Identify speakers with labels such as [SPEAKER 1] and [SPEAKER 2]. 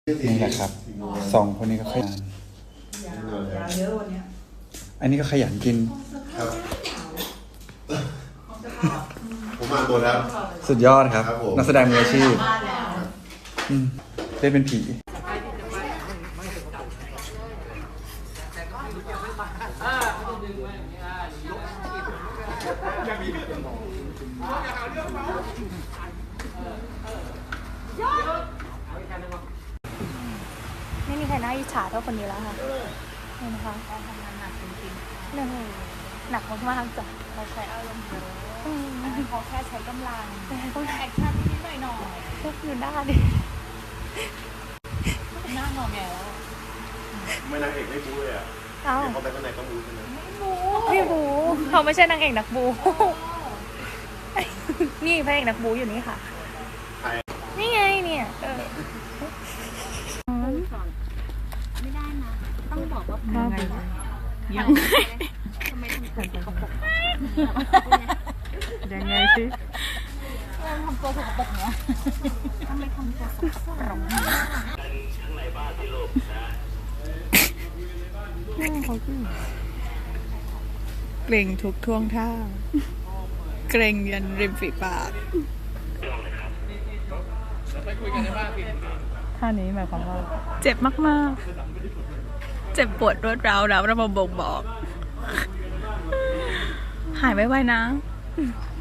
[SPEAKER 1] นี่แหละครับสองคนนี้ก็ขยันเยอะวันนี้อันนี้ก็ขยันกิน
[SPEAKER 2] ครับผมมาตัวแล้ว
[SPEAKER 1] สุดยอดครับนักแสดงมืออาชีพเล่นเป็นผี
[SPEAKER 3] ไม่มีใครน่าอิจฉาเท่าคนนี้แล้วค่ะเห็นไหมคะการทำงานหนักจริงๆเนี่ยหนักมากๆจ้ะเราใช้อารมณ์เยอะเขาแค่ใช้กำลังแอคชั่นนิดหน่อยก็คือหน้าดิหน้างอแงแล้ว
[SPEAKER 2] ไม่นางเอกไม่บู๊เลยอ่ะเขาไปข้างในก็บู๊ใช่ไหม
[SPEAKER 3] ไม่บูเขาไม่ใช่นางเอกนักบูนี่พระเอกนักบูอยู่นี่ค่ะนี่ไงเนี่ย
[SPEAKER 4] ไม่ได้นะต้องบอกว่ายังไงทำไมทำตัวสกปรก
[SPEAKER 3] ยังไงสิ
[SPEAKER 4] ทำตัวสกปรกเนาะทำไมทำตัวสกปรก
[SPEAKER 5] เกรงทุกท่วงท่าเกรงยันริมฝีปาก
[SPEAKER 3] ท่านี้หมายความว่า
[SPEAKER 5] เจ็บมากๆเจ็บปวดรวดร้าวแล้วเรามาบ่งบอกหายไวๆนะ